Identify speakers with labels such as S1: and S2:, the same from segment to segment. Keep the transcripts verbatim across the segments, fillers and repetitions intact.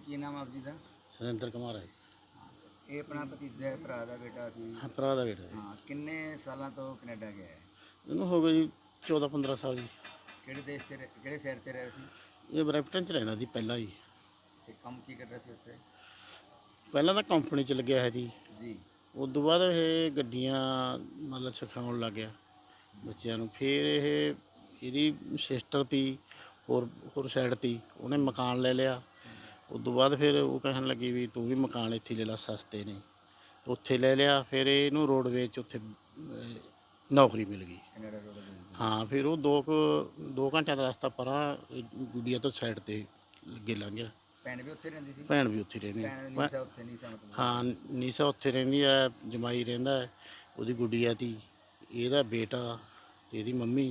S1: ਕੀ ਨਾਮ ਆਪ ਜੀ ਦਾ?
S2: ਸੁਰਿੰਦਰ ਕੁਮਾਰ ਹੈ।
S1: ਇਹ ਆਪਣਾ ਭਤੀਜਾ ਭਰਾ ਦਾ ਬੇਟਾ ਸੀ?
S2: ਹਾਂ, ਭਰਾ ਦਾ ਬੇਟਾ ਜੀ।
S1: ਹਾਂ, ਕਿੰਨੇ ਸਾਲਾਂ ਤੋਂ ਕੈਨੇਡਾ ਗਿਆ ਹੈ?
S2: ਇਹਨੂੰ ਹੋ ਗਏ ਜੀ ਚੌਦਾਂ ਪੰਦਰਾਂ ਸਾਲ ਜੀ।
S1: ਕਿਹੜੇ ਦੇਸ਼ 'ਚ ਰਹਿ- ਕਿਹੜੇ ਸ਼ਹਿਰ 'ਚ ਰਿਹਾ ਸੀ?
S2: ਇਹ ਬਰੈਂਪਟਨ 'ਚ ਰਹਿੰਦਾ ਸੀ ਪਹਿਲਾਂ ਜੀ।
S1: ਤੇ ਕੰਮ ਕੀ ਕਰਦਾ ਸੀ ਉੱਥੇ?
S2: ਪਹਿਲਾਂ ਤਾਂ ਕੰਪਨੀ 'ਚ ਲੱਗਿਆ ਹੈ ਜੀ।
S1: ਜੀ।
S2: ਉਸ ਤੋਂ ਬਾਅਦ ਇਹ ਗੱਡੀਆਂ ਮਤਲਬ ਸਿਖਾਉਣ ਲੱਗ ਗਿਆ ਬੱਚਿਆਂ ਨੂੰ। ਫਿਰ ਇਹ ਇਹਦੀ ਸਿਸਟਰ ਤੀ ਹੋਰ ਹੋਰ ਸਾਈਡ ਤੀ, ਉਹਨੇ ਮਕਾਨ ਲੈ ਲਿਆ। ਉਸ ਤੋਂ ਬਾਅਦ ਫਿਰ ਉਹ ਕਹਿਣ ਲੱਗੀ ਵੀ ਤੂੰ ਵੀ ਮਕਾਨ ਇੱਥੇ ਲੈ ਲਾ, ਸਸਤੇ ਨੇ। ਉੱਥੇ ਲੈ ਲਿਆ। ਫਿਰ ਇਹਨੂੰ ਰੋਡਵੇਜ਼ 'ਚ ਉੱਥੇ ਅਹ, ਨੌਕਰੀ ਮਿਲ ਗਈ।
S1: ਕੈਨੇਡਾ ਰੋਡ ਦੇ?
S2: ਹਾਂ, ਫਿਰ ਉਹ ਦੋ ਕੁ ਦੋ ਘੰਟਿਆਂ ਦਾ ਰਸਤਾ ਪਰਾਂ ਇਹ ਗੁੱਡੀਆ ਤੋਂ ਸਾਈਡ 'ਤੇ ਅੱਗੇ ਲੰਘ ਗਿਆ।
S1: ਭੈਣ ਵੀ ਉੱਥੇ ਰਹਿੰਦੀ ਸੀ?
S2: ਭੈਣ ਵੀ ਉੱਥੇ ਰਹਿੰਦੀ
S1: ਭੈਣ
S2: ਹੈ।
S1: ਨੀਸਾ ਉੱਥੇ ਨੀਸਾ ਮਤਲਬ?
S2: ਹਾਂ, ਨੀਸਾ ਉੱਥੇ ਰਹਿੰਦੀ ਹੈ। ਜਮਾਈ ਰਹਿੰਦਾ ਹੈ, ਉਹਦੀ ਗੁੱਡੀਆ ਤੀ, ਇਹਦਾ ਬੇਟਾ ਤੇ ਇਹਦੀ ਮੰਮੀ।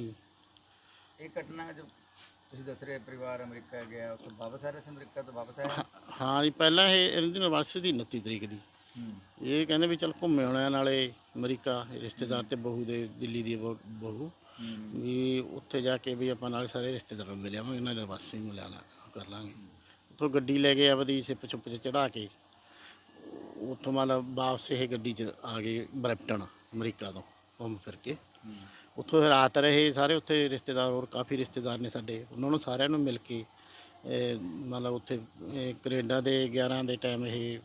S1: ਇਹ ਘਟਨਾ ਜੋ ਤੁਸੀਂ ਦੱਸ ਰਹੇ ਪਰਿਵਾਰ ਅਮਰੀਕਾ ਗਿਆ, ਉੱਥੇ ਵਾਪਸ ਆ ਰਿਹਾ ਸੀ? ਅਮਰੀਕਾ ਤੋਂ ਵਾਪਸ ਆਇਆ?
S2: ਹਾਂ ਜੀ, ਪਹਿਲਾਂ ਇਹ ਇਹਦੀ ਯੂਨੀਵਰਸਿਟੀ ਦੀ ਉਨੱਤੀ ਤਰੀਕ ਦੀ।
S1: ਹੂੰ।
S2: ਇਹ ਕਹਿੰਦੇ ਵੀ ਚੱਲ ਘੁੰਮੇ ਆਉਣਾ, ਨਾਲੇ ਅਮਰੀਕਾ ਰਿਸ਼ਤੇਦਾਰ ਤੇ ਬਹੂ ਦੇ, ਦਿੱਲੀ ਦੀ ਬਹੂ ਬਹੂ
S1: ਹੂੰ।
S2: ਵੀ ਉੱਥੇ ਜਾ ਕੇ ਵੀ ਆਪਾਂ ਨਾਲੇ ਸਾਰੇ ਰਿਸ਼ਤੇਦਾਰਾਂ ਨੂੰ ਮਿਲ ਆਵਾਂਗੇ, ਨਾਲ ਯੂਨੀਵਰਸਿਟੀ ਨੂੰ ਮਿਲਾ ਲਾ ਕਰ ਲਾਂਗੇ। ਉੱਥੋਂ ਗੱਡੀ ਲੈ ਕੇ ਆਪਦੀ ਸਿਪ ਚੁੱਪ 'ਚ ਚੜ੍ਹਾ ਕੇ ਉੱਥੋਂ ਮਤਲਬ ਵਾਪਸ ਇਹ ਗੱਡੀ 'ਚ ਆ ਗਏ ਬਰੈਂਪਟਨ, ਅਮਰੀਕਾ ਤੋਂ ਘੁੰਮ ਫਿਰ ਕੇ।
S1: ਹੂੰ।
S2: ਉੱਥੋਂ ਫਿਰ ਰਾਤ ਰਹੇ ਸਾਰੇ। ਉੱਥੇ ਰਿਸ਼ਤੇਦਾਰ ਹੋਰ ਕਾਫੀ ਰਿਸ਼ਤੇਦਾਰ ਨੇ ਸਾਡੇ, ਉਹਨਾਂ ਨੂੰ ਸਾਰਿਆਂ ਨੂੰ ਮਿਲ ਕੇ ਇਹ ਮਤਲਬ ਉੱਥੇ ਇਹ ਕੈਨੇਡਾ ਦੇ ਗਿਆਰਾਂ ਦੇ ਟਾਈਮ ਇਹ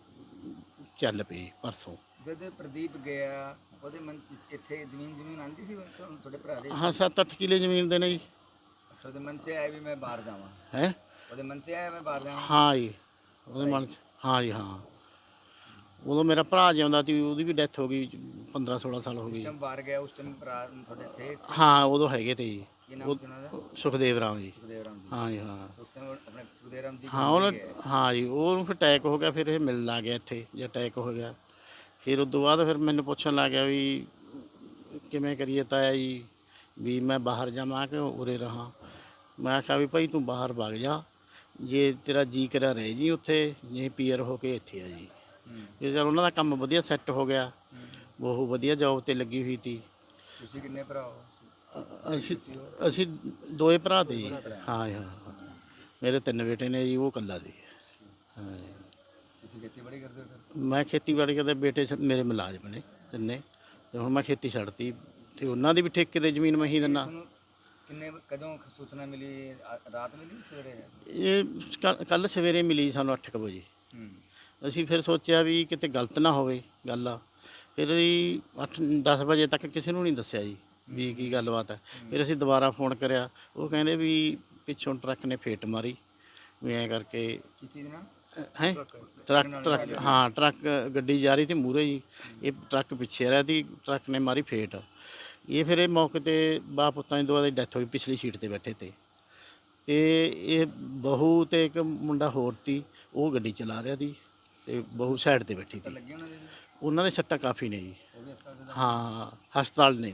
S2: ਚੱਲ ਪਏ ਪਰਸੋਂ।
S1: ਜਦੋਂ ਪ੍ਰਦੀਪ ਗਿਆ ਉਹਦੇ ਮਨ 'ਚ ਇੱਥੇ ਜ਼ਮੀਨ ਜ਼ਮੀਨ ਆਂਦੀ ਸੀ ਤੁਹਾਨੂੰ, ਤੁਹਾਡੇ ਭਰਾ ਦੇ?
S2: ਹਾਂ, ਸੱਤ ਅੱਠ ਕਿੱਲੇ ਜ਼ਮੀਨ ਦੇ ਨੇ ਜੀ।
S1: ਅੱਛਾ, ਉਹਦੇ ਮਨ 'ਚ ਆਇਆ ਵੀ ਮੈਂ ਬਾਹਰ ਜਾਵਾਂ?
S2: ਹੈ
S1: ਉਹਦੇ ਮਨ 'ਚ ਆਇਆ ਮੈਂ ਬਾਹਰ ਜਾਵਾਂ?
S2: ਹਾਂ ਜੀ, ਉਹਦੇ ਮਨ 'ਚ। ਹਾਂ ਜੀ, ਹਾਂ। ਉਦੋਂ ਮੇਰਾ ਭਰਾ ਜਿਉਂਦਾ ਸੀ, ਉਹਦੀ ਵੀ ਡੈਥ ਹੋ ਗਈ ਪੰਦਰਾਂ ਸੋਲਾਂ ਸਾਲ ਹੋ
S1: ਉਸ
S2: ਗਈ।
S1: ਟਾਈਮ ਬਾਹਰ ਗਿਆ, ਉਸ ਟਾਈਮ ਭਰਾ ਤੁਹਾਡੇ ਥੇ?
S2: ਹਾਂ, ਉਦੋਂ ਹੈਗੇ ਤੇ ਜੀ।
S1: ਕੀ ਨਾਮ ਸੀ ਉਹਨਾਂ ਦਾ?
S2: ਸੁਖਦੇਵ ਰਾਮ ਜੀ।
S1: ਸੁਖਦੇਵ ਰਾਮ ਜੀ।
S2: ਹਾਂ ਜੀ, ਹਾਂ।
S1: ਉਸ ਟਾਈਮ ਆਪਣੇ ਸੁਖਦੇਵ ਰਾਮ ਜੀ
S2: ਹਾਂ ਉਹਨੂੰ ਹਾਂ ਜੀ, ਉਹਨੂੰ ਫਿਰ ਅਟੈਕ ਹੋ ਗਿਆ। ਫਿਰ ਇਹ ਮਿਲਣ ਲੱਗ ਗਿਆ ਇੱਥੇ, ਜੇ ਅਟੈਕ ਹੋ ਗਿਆ। ਫਿਰ ਉਸ ਤੋਂ ਬਾਅਦ ਫਿਰ ਮੈਨੂੰ ਪੁੱਛਣ ਲੱਗ ਗਿਆ ਵੀ ਕਿਵੇਂ ਕਰੀਏ ਤਾਇਆ ਜੀ, ਵੀ ਮੈਂ ਬਾਹਰ ਜਾਵਾਂ ਕਿ ਉਰੇ ਰਹਾਂ। ਮੈਂ ਆਖਿਆ ਵੀ ਭਾਈ ਤੂੰ ਬਾਹਰ ਵਗ ਜਾ, ਜੇ ਤੇਰਾ ਜੀ ਕਰਿਆ ਰਹਿ ਜੀ ਉੱਥੇ, ਜੇ ਪੀਅਰ ਹੋ ਕੇ ਇੱਥੇ ਆ ਜੀ। ਇਹ ਚਲ ਉਹਨਾਂ ਦਾ ਕੰਮ ਵਧੀਆ ਸੈੱਟ ਹੋ ਗਿਆ, ਬਹੁਤ ਵਧੀਆ ਜੋਬ 'ਤੇ ਲੱਗੀ ਹੋਈ ਸੀ।
S1: ਤੁਸੀਂ ਕਿੰਨੇ ਭਰਾ ਹੋ?
S2: ਅ- ਅਸੀਂ ਅਸੀਂ ਦੋਏ ਭਰਾ ਤੇ ਜੀ। ਹਾਂ ਜੀ, ਹਾਂ। ਮੇਰੇ ਤਿੰਨ ਬੇਟੇ ਨੇ ਜੀ, ਉਹ ਇਕੱਲਾ ਦੀ। ਹਾਂ ਜੀ।
S1: ਤੁਸੀਂ ਖੇਤੀਬਾੜੀ ਕਰਦੇ ਹੋ ਫਿਰ?
S2: ਮੈਂ ਖੇਤੀਬਾੜੀ ਕਰਦੇ, ਬੇਟੇ ਸ- ਮੇਰੇ ਮੁਲਾਜ਼ਮ ਨੇ ਤਿੰਨੇ, ਤੇ ਹੁਣ ਮੈਂ ਖੇਤੀ ਛੱਡਤੀ ਤੇ ਉਹਨਾਂ ਦੀ ਵੀ ਠੇਕੇ ਤੇ ਜ਼ਮੀਨ ਮੈਂ ਹੀ ਦਿੰਦਾ।
S1: ਤੁਹਾਨੂੰ ਕਿੰਨੇ ਕਦੋਂ ਸੂਚਨਾ ਮਿਲੀ? ਆ- ਰਾਤ ਮਿਲੀ ਸਵੇਰੇ?
S2: ਇਹ ਕੱਲ ਸਵੇਰੇ ਮਿਲੀ ਸਾਨੂੰ ਅੱਠ ਕੁ ਵਜੇ।
S1: ਹੂੰ।
S2: ਅਸੀਂ ਫਿਰ ਸੋਚਿਆ ਵੀ ਕਿਤੇ ਗਲਤ ਨਾ ਹੋਵੇ ਗੱਲ ਆ। ਫਿਰ ਅਸੀਂ ਅੱਠ ਦਸ ਵਜੇ ਤੱਕ ਕਿਸੇ ਨੂੰ ਨਹੀਂ ਦੱਸਿਆ ਜੀ ਵੀ ਕੀ ਗੱਲਬਾਤ ਹੈ। ਫਿਰ ਅਸੀਂ ਦੁਬਾਰਾ ਫੋਨ ਕਰਿਆ, ਉਹ ਕਹਿੰਦੇ ਵੀ ਪਿੱਛੋਂ ਟਰੱਕ ਨੇ ਫੇਟ ਮਾਰੀ, ਵੀ ਐਂ ਕਰਕੇ।
S1: ਕੀ ਚੀਜ਼ ਨਾਲ?
S2: ਹੈ ਟਰੱਕ ਟਰੱਕ ਹਾਂ, ਟਰੱਕ ਗੱਡੀ ਜਾ ਰਹੀ ਸੀ ਮੂਹਰੇ ਜੀ, ਇਹ ਟਰੱਕ ਪਿੱਛੇ ਰਿਹਾ ਸੀ, ਟਰੱਕ ਨੇ ਮਾਰੀ ਫੇਟ। ਇਹ ਫਿਰ ਇਹ ਮੌਕੇ 'ਤੇ ਬਾਪ ਪੁੱਤਾਂ ਦੀ ਦੋਵਾਂ ਦੀ ਡੈਥ ਹੋਈ, ਪਿਛਲੀ ਸੀਟ 'ਤੇ ਬੈਠੇ ਤੇ ਤੇ ਇਹ ਬਹੂ ਤੇ ਇੱਕ ਮੁੰਡਾ ਹੋਰ ਤੀ, ਉਹ ਗੱਡੀ ਚਲਾ ਰਿਹਾ ਸੀ ਤੇ ਬਹੂ ਸਾਈਡ 'ਤੇ ਬੈਠੀ ਸੀ।
S1: ਲੱਗੀ ਉਹਨਾਂ ਦੇ?
S2: ਉਹਨਾਂ ਦੇ ਸੱਟਾਂ ਕਾਫੀ ਨੇ ਜੀ।
S1: ਉਹ ਵੀ ਹਸਪਤਾਲ ਦੇ?
S2: ਹਾਂ, ਹਸਪਤਾਲ ਨੇ।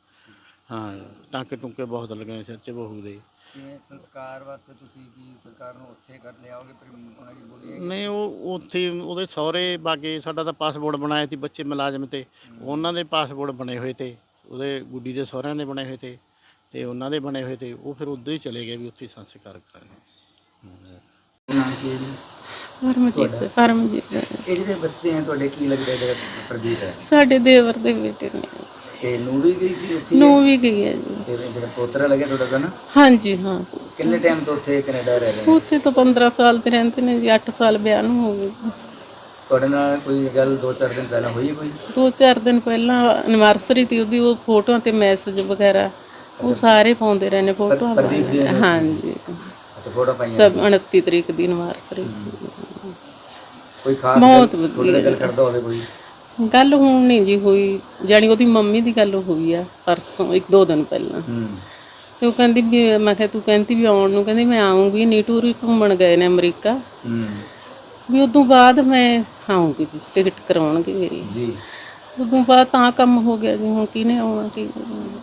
S2: ਹਾਂ, ਟਾਂਕੇ ਟੁੰਕੇ ਬਹੁਤ ਲੱਗੇ ਸਿਰ 'ਚ ਬਹੂ ਦੇ।
S1: ਕਿਵੇਂ ਸੰਸਕਾਰ ਵਾਸਤੇ ਤੁਸੀਂ ਕੀ ਸਰਕਾਰ ਨੂੰ ਉੱਥੇ ਕਰ ਲਿਆਓਗੇ? ਫਿਰ ਉਹਨਾਂ ਦੀ ਬੋਲੀ?
S2: ਨਹੀਂ, ਉਹ ਉੱਥੇ ਉਹਦੇ ਸਹੁਰੇ ਬਾਗੇ। ਸਾਡਾ ਤਾਂ ਪਾਸਪੋਰਟ ਬਣਾਇਆ ਸੀ ਬੱਚੇ ਮੁਲਾਜ਼ਮ ਤੇ, ਉਹਨਾਂ ਦੇ ਪਾਸਪੋਰਟ ਬਣੇ ਹੋਏ ਤੇ, ਉਹਦੇ ਗੁੱਡੀ ਦੇ ਸਹੁਰਿਆਂ ਦੇ ਬਣੇ ਹੋਏ ਤੇ ਤੇ ਉਹਨਾਂ ਦੇ ਬਣੇ ਹੋਏ ਤੇ। ਉਹ ਫਿਰ ਉੱਧਰ ਹੀ ਚਲੇ ਗਏ ਵੀ ਉੱਥੇ ਸੰਸਕਾਰ ਕਰਾਂਗੇ।
S1: ਨਾਮ ਕੀ ਹੈ ਜੀ?
S3: ਪਰਮਜੀਤ ਪਰਮਜੀਤ
S1: ਇਹ ਜਿਹੜੇ ਬੱਚੇ ਆ ਤੁਹਾਡੇ, ਕੀ ਲੱਗਦਾ ਜਿਹੜਾ ਪ੍ਰਦੀਪ ਹੈ?
S3: ਸਾਡੇ ਦੇਵਰ ਦੇ ਬੇਟੇ ਨੇ।
S1: ਤੇ ਨੂੰ ਵੀ ਗਈ ਸੀ ਉੱਥੇ?
S3: ਨੂੰ ਵੀ ਗਈ ਹੈ ਜੀ।
S1: ਤੇ ਜਿਹੜਾ ਪੋਤਰਾ ਲੱਗਿਆ ਤੁਹਾਡਾ ਦਾ ਨਾ?
S3: ਹਾਂਜੀ, ਹਾਂ।
S1: ਕਿੰਨੇ ਟਾਈਮ ਤੋਂ ਉੱਥੇ ਕੈਨੇਡਾ ਰਹਿ ਰਹੇ ਨੇ?
S3: ਉੱਥੇ ਤਾਂ ਪੰਦਰਾਂ ਸਾਲ ਤੇ ਰਹਿੰਦੇ ਨੇ ਜੀ। ਅੱਠ ਸਾਲ ਵਿਆਹ ਨੂੰ ਹੋ ਗਏ।
S1: ਤੁਹਾਡੇ ਨਾਲ ਕੋਈ ਗੱਲ ਦੋ ਚਾਰ ਦਿਨ ਪਹਿਲਾਂ ਹੋਈ ਕੋਈ?
S3: ਦੋ ਚਾਰ ਦਿਨ ਪਹਿਲਾਂ ਐਨਵਰਸਰੀ ਤੀ ਉਹਦੀ, ਉਹ ਫੋਟੋਆਂ ਤੇ ਮੈਸੇਜ ਵਗੈਰਾ ਉਹ ਸਾਰੇ ਪਾਉਂਦੇ ਰਹੇ ਨੇ ਫੋਟੋਆਂ।
S1: ਪ੍ਰਦੀਪ ਦੀ?
S3: ਹਾਂਜੀ,
S1: ਅੱਛਾ, ਫੋਟੋ ਪਾਈਆਂ?
S3: ਸਭ ਉਨੱਤੀ ਤਰੀਕ ਦੀ ਐਨਵਰਸਰੀ।
S1: ਕੋਈ ਖਾਸ
S3: ਬਹੁਤ
S1: ਗੱਲ ਤੁਹਾਡੇ ਨਾਲ ਗੱਲ ਕਰਦਾ ਹੋਵੇ ਕੋਈ?
S3: ਗੱਲ ਹੁਣ ਨਹੀਂ ਜੀ ਹੋਈ, ਜਾਣੀ ਉਹਦੀ ਮੰਮੀ ਦੀ ਗੱਲ ਹੋਈ ਆ ਪਰਸੋਂ, ਇੱਕ ਦੋ ਦਿਨ ਪਹਿਲਾਂ।
S1: ਹੂੰ।
S3: ਤੇ ਉਹ ਕਹਿੰਦੀ ਵੀ, ਮੈਂ ਕਿਹਾ ਤੂੰ ਕਹਿੰਦੀ ਵੀ ਆਉਣ ਨੂੰ, ਕਹਿੰਦੀ ਮੈਂ ਆਉਂਗੀ, ਨੀਟੂਰ ਹੀ ਘੁੰਮਣ ਗਏ ਨੇ ਅਮਰੀਕਾ,
S1: ਹੂੰ।
S3: ਵੀ ਉਦੋਂ ਬਾਅਦ ਮੈਂ ਆਉਂਗੀ, ਟਿਕਟ ਕਰਾਉਣਗੇ ਮੇਰੀ।
S1: ਜੀ।
S3: ਉਦੋਂ ਬਾਅਦ ਤਾਂ ਕੰਮ ਹੋ ਗਿਆ ਜੀ। ਹੁਣ ਕਿਹਨੇ ਆਉਣਾ ਕੀ ਕਰਨਾ।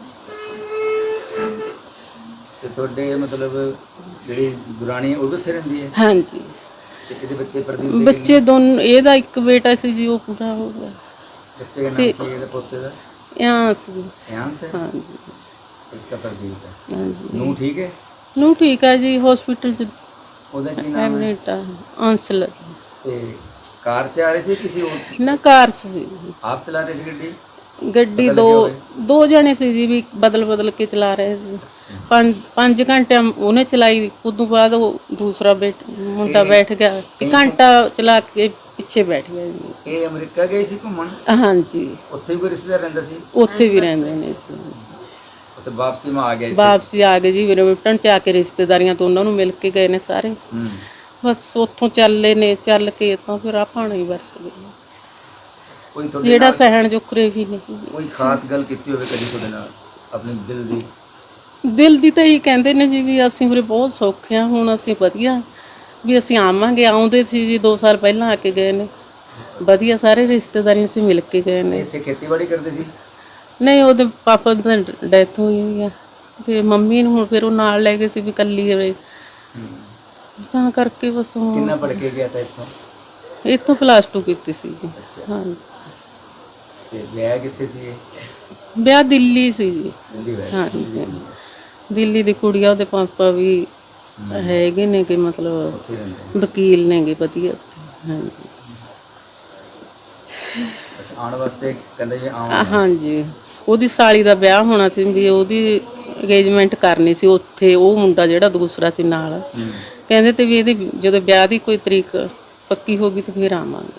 S1: ਤੇ ਤੁਹਾਡੇ ਮਤਲਬ ਜਿਹੜੀ ਦੁਰਾਣੀ ਉਹ ਵੀ ਉੱਥੇ ਰਹਿੰਦੀ ਹੈ?
S3: ਹਾਂਜੀ।
S1: ਤੇ ਇਹਦੇ ਬੱਚੇ ਪ੍ਰਦੀਪ ਦੇ?
S3: ਬੱਚੇ ਦੋਨੋਂ, ਇਹਦਾ ਇੱਕ ਬੇਟਾ ਸੀ ਜੀ, ਉਹ ਪੂਰਾ ਹੋ ਗਿਆ।
S1: ਬੱਚੇ ਦਾ ਨਾਮ ਕੀ ਹੈ ਇਹਦੇ ਪੋਤੇ ਦਾ?
S3: यांस।
S1: यांस है?
S3: ਹਾਂਜੀ,
S1: इसका प्रदीप है।
S3: ਹਾਂਜੀ।
S1: नू ठीक है?
S3: ਨੂੰ ਠੀਕ ਆ ਜੀ, ਹਸਪੀਟਲ ਚ
S1: ਉਹਦਾ ਕੀ ਨਾਮ ਹੈ?
S3: ਐਮਨੇਟਾ ਅੰਸਲ
S1: ਤੇ ਕਾਰ 'ਚ ਆ ਰਹੇ ਸੀ ਕਿਸੇ ਹੋਰ
S3: ਨਾ ਕਾਰ ਸੀ
S1: ਆਪ ਚਲਾ ਰਹੇ ਸੀ ਗੱਡੀ?
S3: ਗੱਡੀ ਦੋ ਦੋ ਜਣੇ ਸੀ ਜੀ ਵੀ ਬਦਲ ਬਦਲ ਕੇ ਚਲਾ ਰਹੇ ਸੀ। ਪੰਜ ਪੰਜ ਘੰਟੇ ਉਹਨੇ ਚਲਾਈ, ਉਦੋਂ ਬਾਅਦ ਉਹ ਦੂਸਰਾ ਬੈਠ ਮੁੰਡਾ ਬੈਠ ਗਿਆ, ਇੱਕ ਘੰਟਾ ਚਲਾ ਕੇ ਪਿੱਛੇ ਬੈਠ ਗਿਆ ਜੀ।
S1: ਇਹ ਅਮਰੀਕਾ ਗਏ ਸੀ ਘੁੰਮਣ?
S3: ਹਾਂਜੀ,
S1: ਉੱਥੇ ਵੀ ਕੋਈ ਰਿਸ਼ਤੇਦਾਰ ਰਹਿੰਦਾ ਸੀ?
S3: ਉੱਥੇ ਵੀ ਰਹਿੰਦੇ ਨੇ ਜੀ।
S1: ਉੱਥੇ ਵਾਪਸੀ ਮੈਂ ਆ ਗਿਆ ਇੱਥੇ?
S3: ਵਾਪਸੀ ਆ ਗਏ ਜੀ, ਰਿਟਰਨ ਚ ਆ ਕੇ ਰਿਸ਼ਤੇਦਾਰੀਆਂ ਤੋਂ ਉਹਨਾਂ ਨੂੰ ਮਿਲ ਕੇ ਗਏ ਨੇ ਸਾਰੇ।
S1: ਹੂੰ।
S3: ਬਸ ਉੱਥੋਂ ਚੱਲੇ ਨੇ, ਚੱਲ ਕੇ ਤਾਂ ਫਿਰ ਆਪਾਂ ਨਹੀਂ ਵਰਤ ਗਏ,
S1: ਕੋਈ ਤੁਹਾਡੇ
S3: ਜਿਹੜਾ
S1: ਨਾਲ
S3: ਸਹਿਣ ਜੋਕਰੇ ਵੀ ਨਹੀਂ।
S1: ਕੋਈ ਖਾਸ ਗੱਲ ਕੀਤੀ ਹੋਵੇ ਕਦੀ ਤੁਹਾਡੇ ਨਾਲ ਆਪਣੇ ਦਿਲ ਦੀ?
S3: ਦਿਲ ਦੀ ਤਾਂ ਹੀ ਕਹਿੰਦੇ ਨੇ ਜੀ ਵੀ ਅਸੀਂ ਉਰੇ ਬਹੁਤ ਸੌਖੇ ਹਾਂ, ਹੁਣ ਅਸੀਂ ਵਧੀਆ ਵੀ ਅਸੀਂ ਆਵਾਂਗੇ। ਆਉਂਦੇ ਸੀ ਜੀ ਦੋ ਸਾਲ ਪਹਿਲਾਂ ਆ ਕੇ ਗਏ ਨੇ, ਵਧੀਆ ਸਾਰੇ ਰਿਸ਼ਤੇਦਾਰੀਆਂ ਸੀ ਮਿਲ ਕੇ ਗਏ ਨੇ।
S1: ਇੱਥੇ ਖੇਤੀਬਾੜੀ ਕਰਦੇ ਸੀ?
S3: ਨਹੀਂ, ਉਹਦੇ ਪਾਪਾ ਦੀ ਡੈਥ ਹੋਈ ਹੋਈ ਆ ਤੇ ਮੰਮੀ ਨੂੰ ਹੁਣ ਫਿਰ ਉਹ ਨਾਲ ਲੈ ਗਏ ਸੀ ਵੀ ਇਕੱਲੀ ਹੋਵੇ, ਤਾਂ ਕਰਕੇ ਬਸ ਹੁਣ
S1: ਕਿੰਨਾ ਪੜ ਕੇ ਗਿਆ ਤਾਂ ਇੱਥੋਂ?
S3: ਇੱਥੋਂ ਪਲੱਸ ਟੂ ਕੀਤੀ ਸੀ ਜੀ। ਹਾਂ,
S1: ਤੇ ਵਿਆਹ ਕਿੱਥੇ ਸੀ ਇਹ?
S3: ਵਿਆਹ ਦਿੱਲੀ ਸੀ ਜੀ।
S1: ਦਿੱਲੀ ਵਿਆਹ?
S3: ਹਾਂਜੀ, ਦਿੱਲੀ ਦੀ ਕੁੜੀ ਆ, ਉਹਦੇ ਪਾਪਾ ਵੀ ਹੈਗੇ ਨੇ ਕਿ ਮਤਲਬ
S1: ਉੱਥੇ ਰਹਿੰਦੇ?
S3: ਵਕੀਲ ਨੇਗੇ ਵਧੀਆ ਉੱਥੇ। ਹਾਂਜੀ
S1: ਅੱਛਾ, ਆਉਣ ਵਾਸਤੇ ਕਹਿੰਦੇ ਜੀ ਆਉਂ?
S3: ਹਾਂਜੀ, ਉਹਦੀ ਸਾਲੀ ਦਾ ਵਿਆਹ ਹੋਣਾ ਸੀ ਵੀ ਉਹਦੀ ਅੰਗੇਜਮੈਂਟ ਕਰਨੀ ਸੀ ਉੱਥੇ। ਉਹ ਮੁੰਡਾ ਜਿਹੜਾ ਦੂਸਰਾ ਸੀ ਨਾਲ, ਕਹਿੰਦੇ ਤੇ ਵੀ ਇਹਦੀ ਜਦੋਂ ਵਿਆਹ ਦੀ ਕੋਈ ਤਰੀਕ ਪੱਕੀ ਹੋ ਗਈ ਤਾਂ ਫਿਰ ਆਵਾਂਗੇ।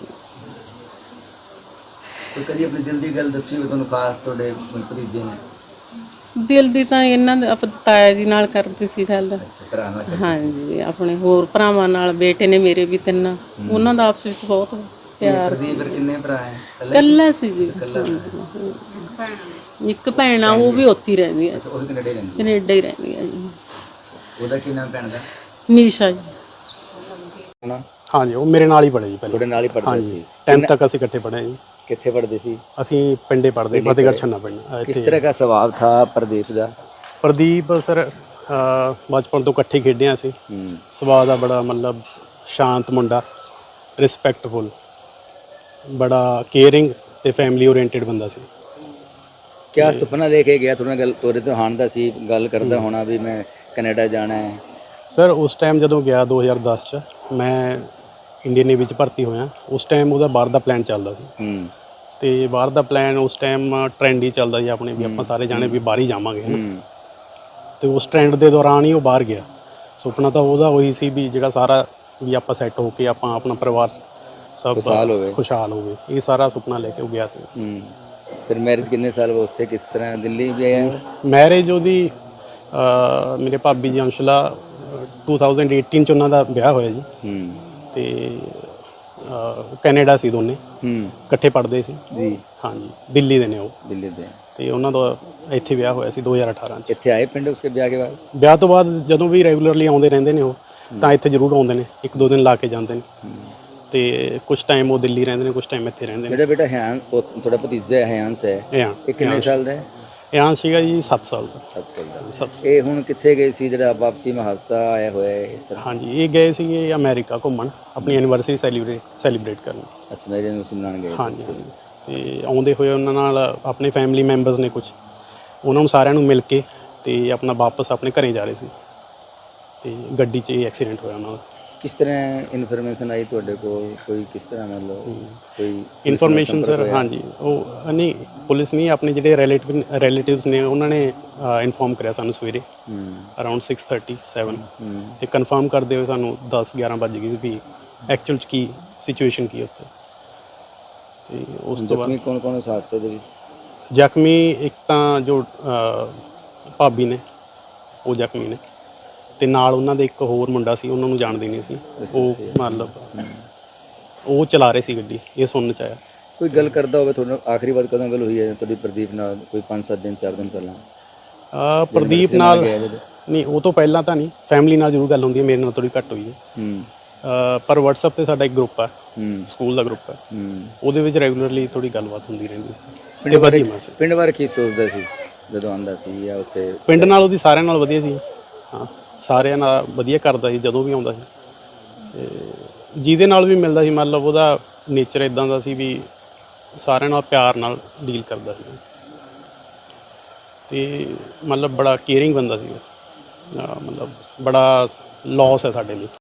S1: ਕੋਈ ਕਦੀ ਆਪਣੀ ਦਿਲ ਦੀ ਗੱਲ ਦੱਸੀ ਹੋਵੇ ਤੁਹਾਨੂੰ ਖਾਸ ਤੁਹਾਡੇ ਭਤੀਜੇ ਨੇ?
S3: ਦਿਲ ਦੀ ਤਾਂ ਇਹਨਾਂ ਦੇ ਆਪਾਂ ਤਾਇਆ ਜੀ ਨਾਲ ਕਰਦੇ ਸੀ ਗੱਲ।
S1: ਅੱਛਾ, ਭਰਾ ਨਾਲ ਕਰਦੇ?
S3: ਹਾਂਜੀ, ਆਪਣੇ ਹੋਰ ਭਰਾਵਾਂ ਨਾਲ, ਬੇਟੇ ਨੇ ਮੇਰੇ ਵੀ ਤਿੰਨ, ਉਹਨਾਂ ਦਾ ਆਪਸ ਵਿੱਚ ਬਹੁਤ ਪਿਆਰ ਸੀ।
S1: ਪ੍ਰਦੀਪ ਫਿਰ ਕਿੰਨੇ ਭਰਾ ਹੈ?
S3: ਇਕੱਲਾ ਸੀ ਜੀ, ਇੱਕ ਭੈਣ ਆ, ਉਹ ਵੀ ਉੱਥੇ ਹੀ ਰਹਿੰਦੀ ਹੈ,
S1: ਅੱਛਾ, ਉਹ ਵੀ ਕੈਨੇਡਾ ਹੀ ਰਹਿੰਦੀ ਹੈ?
S3: ਕੈਨੇਡਾ ਹੀ ਰਹਿੰਦੀ ਹੈ ਜੀ।
S1: ਉਹਦਾ ਕੀ ਨਾਮ ਭੈਣ ਦਾ?
S3: ਨੀਸ਼ਾ ਜੀ।
S1: ਹਨਾ,
S4: ਹਾਂਜੀ, ਉਹ ਮੇਰੇ ਨਾਲ ਹੀ ਪੜ੍ਹੇ ਜੀ ਪਹਿਲਾਂ।
S1: ਤੁਹਾਡੇ ਨਾਲ ਹੀ ਪੜ੍ਹਦੇ ਸੀ?
S4: ਟੈਂਥ ਤੱਕ ਅਸੀਂ ਇਕੱਠੇ ਪੜ੍ਹੇ ਜੀ।
S1: ਕਿੱਥੇ ਪੜ੍ਹਦੇ ਸੀ?
S4: ਅਸੀਂ ਪਿੰਡੇ ਪੜ੍ਹਦੇ, ਫਤਿਹਗੜ੍ਹ ਛੰਨਾ ਪਿੰਡ
S1: किस
S4: ਇੱਥੇ।
S1: तरह का स्वभाव था प्रदीप का?
S4: ਪ੍ਰਦੀਪ ਸਰ ਅਹ, ਬਚਪਨ ਤੋਂ ਇਕੱਠੇ ਖੇਡੇ ਹਾਂ ਅਸੀਂ।
S1: हम्म,
S4: ਸੁਭਾਅ ਦਾ ਬੜਾ ਮਤਲਬ ਸ਼ਾਂਤ ਮੁੰਡਾ, ਰਿਸਪੈਕਟਫੁਲ, ਬੜਾ ਕੇਅਰਿੰਗ ਤੇ ਫੈਮਿਲੀ ਓਰੀਐਂਟਡ ਬੰਦਾ ਸੀ।
S1: क्या सुपना लेके गया थोड़ा गल तोरे तो हान दा सी गल करदा होना भी मैं कनाडा जाना है?
S4: ਸਰ ਉਸ ਟਾਈਮ ਜਦੋਂ ਗਿਆ ਦੋ ਹਜ਼ਾਰ ਦਸ ਚ, ਮੈਂ ਇੰਡੀਅਨ ਨੇਵੀ ਚ ਭਰਤੀ ਹੋਇਆ। ਉਸ ਟਾਈਮ ਉਹਦਾ ਬਾਹਰ ਦਾ ਪਲਾਨ ਚੱਲਦਾ ਸੀ
S1: हम्म,
S4: ਤੇ ਬਾਹਰ ਦਾ ਪਲਾਨ ਉਸ ਟਾਈਮ ਟ੍ਰੈਂਡ ਹੀ ਚੱਲਦਾ ਸੀ ਆਪਣੇ, ਵੀ ਆਪਾਂ ਸਾਰੇ ਜਾਣੇ ਵੀ ਬਾਹਰ ਹੀ ਜਾਵਾਂਗੇ ਹੈ ਨਾ।
S1: हम्म,
S4: ਤੇ ਉਸ ਟ੍ਰੈਂਡ ਦੇ ਦੌਰਾਨ ਹੀ ਉਹ ਬਾਹਰ ਗਿਆ। ਸੁਪਨਾ ਤਾਂ ਉਹਦਾ ਉਹੀ ਸੀ ਵੀ ਜਿਹੜਾ ਸਾਰਾ ਵੀ ਆਪਾਂ ਸੈੱਟ ਹੋ ਕੇ ਆਪਾਂ ਆਪਣਾ ਪਰਿਵਾਰ ਸਭ
S1: खुशहाल होवे।
S4: ਖੁਸ਼ਹਾਲ ਹੋਵੇ, ਇਹ ਸਾਰਾ ਸੁਪਨਾ ਲੈ ਕੇ ਉਹ ਗਿਆ ਸੀ।
S1: हम्म, फिर मैरिज कितने साल वो थे किस तरह दिल्ली भी आया?
S4: ਮੈਰਿਜ ਉਹਦੀ ਅਹ, ਮੇਰੇ ਭਾਬੀ ਜੀ ਅੰਸ਼ਲਾ ਦੋ ਹਜ਼ਾਰ ਅਠਾਰਾਂ ਚ ਉਹਨਾਂ ਦਾ ਵਿਆਹ ਹੋਇਆ ਜੀ।
S1: हम्म,
S4: ਤੇ ਅਹ, ਕੈਨੇਡਾ ਸੀ ਦੋਨੇ,
S1: हम्म,
S4: ਇਕੱਠੇ ਪੜ੍ਹਦੇ ਸੀ
S1: जी,
S4: ਹਾਂਜੀ, ਦਿੱਲੀ ਦੇ ਨੇ ਉਹ।
S1: दिल्ली दे
S4: ਤੇ ਉਹਨਾਂ ਦਾ ਇੱਥੇ ਵਿਆਹ ਹੋਇਆ ਸੀ ਦੋ ਹਜ਼ਾਰ ਅਠਾਰਾਂ ਚ।
S1: इत्थे आए पिंड उसके ब्याह के बाद?
S4: ਵਿਆਹ ਤੋਂ ਬਾਅਦ ਜਦੋਂ ਵੀ ਰੈਗੂਲਰਲੀ ਆਉਂਦੇ ਰਹਿੰਦੇ ਨੇ ਉਹ, ਤਾਂ ਇੱਥੇ ਜ਼ਰੂਰ ਆਉਂਦੇ ਨੇ, ਇੱਕ ਦੋ ਦਿਨ ਲਾ ਕੇ ਜਾਂਦੇ ਨੇ। ਤੇ ਕੁਝ ਟਾਈਮ ਉਹ ਦਿੱਲੀ ਰਹਿੰਦੇ ਨੇ, ਕੁਝ ਟਾਈਮ ਇੱਥੇ ਰਹਿੰਦੇ ਨੇ।
S1: मेरा बेटा हयान थोड़ा भतीजा है हयांस है,
S4: ਇਹ ਆ
S1: ये कितने साल ਦਾ है?
S4: ਇਹ ਸੀਗਾ ਜੀ ਸੱਤ ਸਾਲ ਦਾ।
S1: सत्त साल ਦਾ।
S4: ਸੱਤ
S1: ਇਹ ਹੁਣ ਕਿੱਥੇ ਗਏ ਸੀ ਜਿਹੜਾ ਵਾਪਸੀ ਮਾ ਹਾਦਸਾ ਆਇਆ ਹੋਇਆ ਹੈ ਇਸ ਤਰ੍ਹਾਂ?
S4: ਹਾਂਜੀ, ਇਹ ਗਏ ਸੀਗੇ ਅਮਰੀਕਾ ਘੁੰਮਣ, ਆਪਣੀ ਐਨੀਵਰਸਰੀ ਸੈਲੀਬ੍ਰੇਟ ਸੈਲੀਬ੍ਰੇਟ ਕਰਨ।
S1: ਅੱਛਾ, ਮੇਰੇ ਨੂੰ ਸੁਣਾਣ ਗਏ?
S4: ਹਾਂਜੀ ਹਾਂਜੀ। ਤੇ ਆਉਂਦੇ ਹੋਏ ਉਹਨਾਂ ਨਾਲ ਆਪਣੇ ਫੈਮਿਲੀ ਮੈਂਬਰਸ ਨੇ ਕੁਝ, ਉਹਨਾਂ ਨੂੰ ਸਾਰਿਆਂ ਨੂੰ ਮਿਲ ਕੇ ਤੇ ਆਪਣਾ ਵਾਪਸ ਆਪਣੇ ਘਰੇ ਜਾ ਰਹੇ ਸੀ ਤੇ ਗੱਡੀ 'ਚ ਇਹ ਐਕਸੀਡੈਂਟ ਹੋਇਆ ਉਹਨਾਂ ਦਾ।
S1: ਕਿਸ ਤਰ੍ਹਾਂ ਇਨਫੋਰਮੇਸ਼ਨ ਆਈ ਤੁਹਾਡੇ ਕੋਲ? ਕੋਈ ਕਿਸ ਤਰ੍ਹਾਂ ਮਤਲਬ ਕੋਈ
S4: ਇਨਫੋਰਮੇਸ਼ਨ ਸਰ, ਹਾਂਜੀ, ਉਹ ਨਹੀਂ ਪੁਲਿਸ ਨਹੀਂ, ਆਪਣੇ ਜਿਹੜੇ ਰਿਲੇਟਿਵ ਰਿਲੇਟਿਵਸ ਨੇ ਉਹਨਾਂ ਨੇ ਇਨਫੋਰਮ ਕਰਿਆ ਸਾਨੂੰ ਸਵੇਰੇ
S1: ਹੂੰ
S4: ਅਰਾਊਂਡ ਛੇ ਥਰਟੀ ਸੈਵਨ,
S1: ਹੂੰ
S4: ਤੇ ਕਨਫਰਮ ਕਰਦੇ ਹੋਏ ਸਾਨੂੰ ਦਸ ਗਿਆਰਾਂ ਵੱਜ ਗਈ ਸੀ ਵੀ ਐਕਚੁਅਲ 'ਚ ਕੀ ਸਿਚੁਏਸ਼ਨ ਕੀ ਉੱਥੇ। ਤੇ ਉਸ ਤੋਂ ਬਾਅਦ
S1: ਜ਼ਖਮੀ ਕੌਣ ਕੌਣ ਉਸ ਹਾਦਸੇ ਦੇ ਵਿੱਚ?
S4: ਜ਼ਖਮੀ ਇੱਕ ਤਾਂ ਜੋ ਅਹ, ਭਾਬੀ ਨੇ, ਉਹ ਜ਼ਖਮੀ ਨੇ, ਤੇ ਨਾਲ ਉਹਨਾਂ ਦੇ ਇੱਕ ਹੋਰ ਮੁੰਡਾ ਸੀ, ਉਹਨਾਂ ਨੂੰ ਜਾਣਦੇ ਨਹੀਂ ਸੀ ਉਹ, ਮਤਲਬ ਉਹ ਚਲਾ ਰਹੇ ਸੀ ਗੱਡੀ, ਇਹ ਸੁਣਨ ਚ ਆਇਆ।
S1: ਕੋਈ ਗੱਲ ਕਰਦਾ ਹੋਵੇ ਤੁਹਾਡੇ ਨਾਲ? ਆਖਰੀ ਵਾਰ ਕਦੋਂ ਗੱਲ ਹੋਈ ਹੈ ਤੁਹਾਡੀ ਪ੍ਰਦੀਪ ਨਾਲ? ਕੋਈ ਪੰਜ ਸੱਤ ਦਿਨ ਚਾਰ ਦਿਨ ਪਹਿਲਾਂ?
S4: ਅਹ, ਪ੍ਰਦੀਪ ਨਾਲ
S1: ਗਿਆ ਜਦੋਂ?
S4: ਨਹੀਂ, ਉਹ ਤੋਂ ਪਹਿਲਾਂ ਤਾਂ ਨਹੀਂ, ਫੈਮਿਲੀ ਨਾਲ ਜ਼ਰੂਰ ਗੱਲ ਹੁੰਦੀ ਹੈ, ਮੇਰੇ ਨਾਲ ਥੋੜੀ ਘੱਟ ਹੋਈ ਹੈ।
S1: ਹੂੰ
S4: ਅਹ, ਪਰ WhatsApp ਤੇ ਸਾਡਾ ਇੱਕ ਗਰੁੱਪ ਹੈ,
S1: ਹੂੰ
S4: ਸਕੂਲ ਦਾ ਗਰੁੱਪ ਹੈ,
S1: ਹੂੰ
S4: ਉਹਦੇ ਵਿੱਚ ਰੈਗੂਲਰਲੀ ਥੋੜੀ ਗੱਲਬਾਤ ਹੁੰਦੀ ਰਹਿੰਦੀ ਸੀ।
S1: ਪਿੰਡ
S4: ਤੇ
S1: ਬਾਰੇ
S4: ਵਧੀਆ ਸੀ।
S1: ਪਿੰਡ ਬਾਰੇ ਕੀ ਸੋਚਦਾ ਸੀ ਜਦੋਂ ਆਂਦਾ ਸੀ ਜਾਂ ਉੱਥੇ?
S4: ਪਿੰਡ ਨਾਲ ਉਹਦੀ ਸਾਰਿਆਂ ਨਾਲ ਵਧੀਆ ਸੀ, ਹਾਂ, ਸਾਰਿਆਂ ਨਾਲ ਵਧੀਆ ਕਰਦਾ ਸੀ ਜਦੋਂ ਵੀ ਆਉਂਦਾ ਸੀ, ਤੇ ਜਿਹਦੇ ਨਾਲ ਵੀ ਮਿਲਦਾ ਸੀ ਮਤਲਬ ਉਹਦਾ ਨੇਚਰ ਇਦਾਂ ਦਾ ਸੀ ਵੀ ਸਾਰਿਆਂ ਨਾਲ ਪਿਆਰ ਨਾਲ ਡੀਲ ਕਰਦਾ ਸੀ, ਤੇ ਮਤਲਬ ਬੜਾ ਕੇਅਰਿੰਗ ਬੰਦਾ ਸੀ। ਮਤਲਬ ਬੜਾ ਲੌਸ ਹੈ ਸਾਡੇ ਲਈ।